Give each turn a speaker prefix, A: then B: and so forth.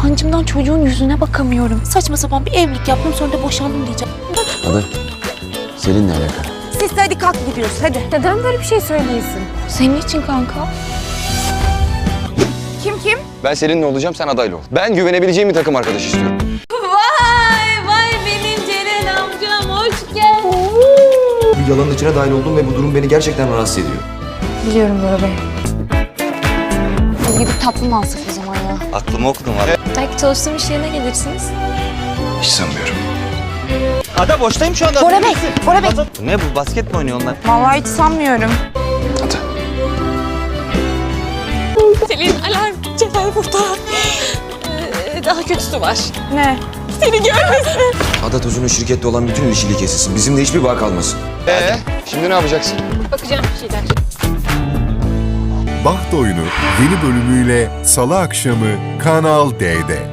A: Utancımdan çocuğun yüzüne bakamıyorum. Saçma sapan bir evlilik yaptım sonra da boşandım diyeceğim.
B: Ada, Selin'le alakalı.
C: Siz de hadi kalk gidiyoruz hadi. Neden böyle bir şey söylüyorsun?
A: Senin için kanka.
C: Kim?
B: Ben Selin'le olacağım, sen adayla ol. Ben güvenebileceğim bir takım arkadaş istiyorum.
A: Vay benim Ceren amcam hoş geldin.
D: Bir yalanın içine dahil oldum ve bu durum beni gerçekten rahatsız ediyor.
C: Biliyorum Bora Bey.
A: Biz gidip tatlı mı alsak o zaman ya?
E: Aklımı okudum abi.
A: Belki çalıştığım iş yerine gelirsiniz.
D: Hiç sanmıyorum.
E: Ada boştayım şu anda.
C: Bora Bey, Bora Bey.
E: Bu ne bu? Basket mi oynuyor onlar?
C: Vallahi hiç sanmıyorum.
D: Ada.
A: Selin alarm. Ceren burada. Daha kötüsü var.
C: Ne?
A: Seni görmesin.
D: Ada Tozun'un şirkette olan bütün ilişkili kesilsin. Bizimle hiçbir bağ kalmasın.
B: Şimdi ne yapacaksın?
A: Bakacağım bir şeyler.
F: Baht Oyunu yeni bölümüyle Salı akşamı Kanal D'de.